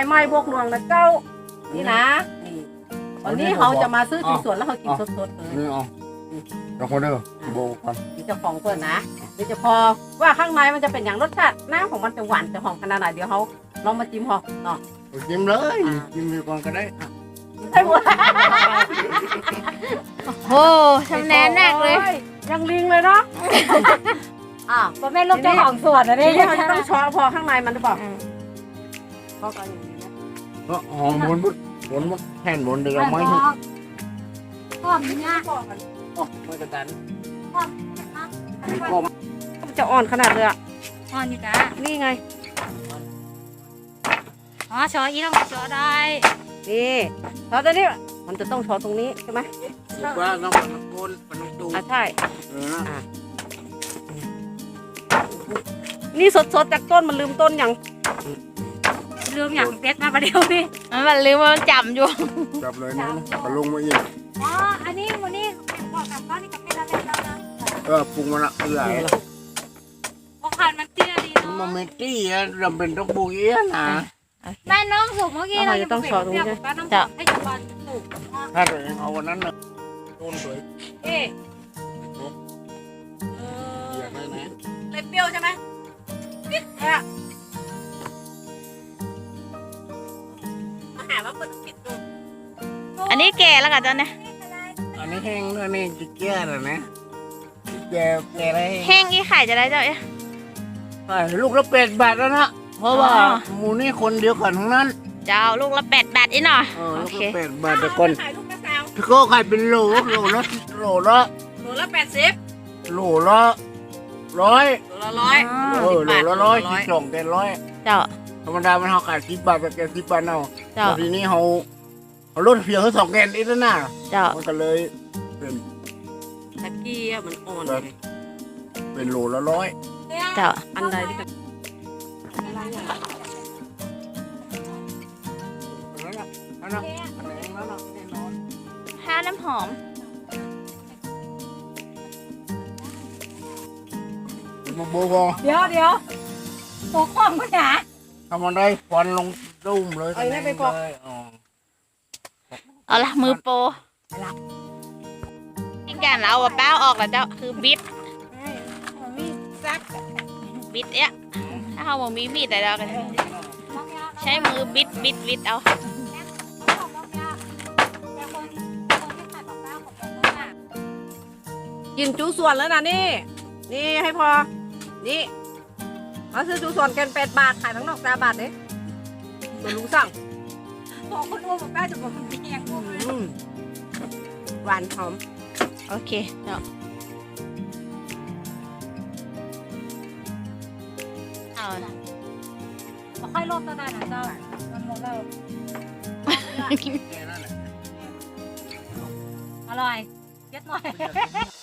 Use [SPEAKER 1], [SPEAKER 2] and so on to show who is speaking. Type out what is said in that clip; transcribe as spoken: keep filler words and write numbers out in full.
[SPEAKER 1] ไม้บวกหลวงนะเจ้านี่นะนี่วันนี้เขาจะมาซื้อที่สวนแล้วเขากินสดๆเลย
[SPEAKER 2] นี่อ๋อเจ้าคนเด้อโบกัน
[SPEAKER 1] นี่เจ้าของเพื่อนนะเดี๋ยวจะพอว่าข้างในมันจะเป็นอย่างรสชาติน้ำของมันจะหวานจะหอมขนาดไหนเดี๋ยวเขาลองมาจิ้มหอมเนาะ
[SPEAKER 2] จิ้มเลยจิ้มไปก่อนก็ได้
[SPEAKER 1] ใช่หมด
[SPEAKER 3] โอ้ชำนาญนักเลย
[SPEAKER 1] ยังลิงเลยเนาะอ่าพ่อแม่ลูกเจ้าของสวนนะนี่เขาจะต้องช้อนพอข้างในมันหรือเปล่าพอกันอย่างนี้นะ
[SPEAKER 2] ก็หอมบนบุดบนบุดแผ่นบนเดือดไม่ถึง
[SPEAKER 4] หอมเนี่ย
[SPEAKER 2] โอ้ไม่กระตัน
[SPEAKER 1] จะอ่อนขนาดเลยอ่ะ
[SPEAKER 4] อ่อนอยู่จ้ะ
[SPEAKER 1] นี่ไง
[SPEAKER 4] อ๋อช้อนอีต้องช้อนได้
[SPEAKER 1] นี่ช้อนตัวนี้มันจะต้องช้อนตรงนี้ใช่ไหม
[SPEAKER 2] ว่าต้องมันโกนมันต้องดู
[SPEAKER 1] อ่ะใช่
[SPEAKER 2] เออ
[SPEAKER 1] นี่สดๆจากต้นมันลืมต้นอย่าง
[SPEAKER 4] ลืมอย่างเป็ดมาประเดี๋ยวนี่
[SPEAKER 3] มันลืมมันจำอยู่
[SPEAKER 2] จับเลยนะกระลงมาอีก
[SPEAKER 4] อ๋ออันนี้วันนี้บอกกับเขานี่กับเป็ดอะไรแล้วนะ
[SPEAKER 2] เออปรุงมันละเออ
[SPEAKER 4] โอ้ขันมันเตี้ยดีเนาะ
[SPEAKER 2] มันไม่ตี้อ่ะเราเป็นต้องปรุงเอี้ยนะ
[SPEAKER 4] แม่น้องสุกเมื่อกี้เราจะต้องช้อนตรงนี้จะให้จุบันสุก
[SPEAKER 2] ถ้าตัวเองเอาวันนั้นนะต้นสวย
[SPEAKER 1] เอ๊ะ
[SPEAKER 2] เออ
[SPEAKER 1] เลยเปรี้ยวใช่ไหมนิดแค่มาหาว่าคนผิดดู
[SPEAKER 3] อันนี้แก่แล้วกันจ้ะเนี่ย
[SPEAKER 2] อันนี้แห้งด้วยนี่จะแก่เลยนะแก่แก่อะไร
[SPEAKER 3] แห้งอีไข่จะได้เจ้าเนี่ย
[SPEAKER 2] ลูกละเป็ดบาทแล้วนะเพราะว่าหมูนี่คนเดียวกันทั้งนั้น
[SPEAKER 3] เจ้าลูกละแปดบาทอีหน่อย
[SPEAKER 2] เออลูกละแปดบาทแต่ก่อนพี่ก็ขายเป็นโหลโหลละโหลละ
[SPEAKER 1] โลละแปดสิบ
[SPEAKER 2] โหลละร้อย
[SPEAKER 1] โลละร้อย
[SPEAKER 2] เออโหลละร้อยสิบสองแกนร้อย
[SPEAKER 3] เจ้า
[SPEAKER 2] ธรรมดามันเขาขายสิบบาทแต่แกสิบบาทเอา
[SPEAKER 3] เจ้า
[SPEAKER 2] ทีนี้เขาเขาลดเพียงแค่สองแกนอีกแล้วนะ
[SPEAKER 3] เจ้า
[SPEAKER 2] มันก็เลยเป็น
[SPEAKER 1] ตะกี้มันอ่อน
[SPEAKER 2] เป็นโหลละร้อย
[SPEAKER 3] เจ้า
[SPEAKER 1] อันใดที่
[SPEAKER 3] ห้าน้ำหอม
[SPEAKER 2] มาโบก
[SPEAKER 4] เดี๋ยวเดี๋ยวโบกล้องก็หนา
[SPEAKER 2] ทำมันได้ควันลงดุ้มเลย
[SPEAKER 1] ไอ้นี่ไปปอก
[SPEAKER 3] เอาละมือโปอีกอย่างเราเอาแป้วออกแล้วเจ้าคือบิดบิดเนี่ยถ้าเราบอกมีมีดแต่เรากันใช้มือบิดบิดบิดเอา
[SPEAKER 1] กินจูส่วนแล้วนะนี่นี่ให้พอนี่มาซื้อจูส่วนแกนแปดบาทขายทั้งนอกตาบาทเนี่ยมาลุงสั่ง
[SPEAKER 4] บอกคนอ้วนบอกแป้จะบอกคนเพียง
[SPEAKER 1] หวานหอม
[SPEAKER 3] โอเคเนาะเอา
[SPEAKER 4] ค่อยลดตอนนั้นนะเจ้ามันหมดแล้วอร่อยเย็ดหน่อย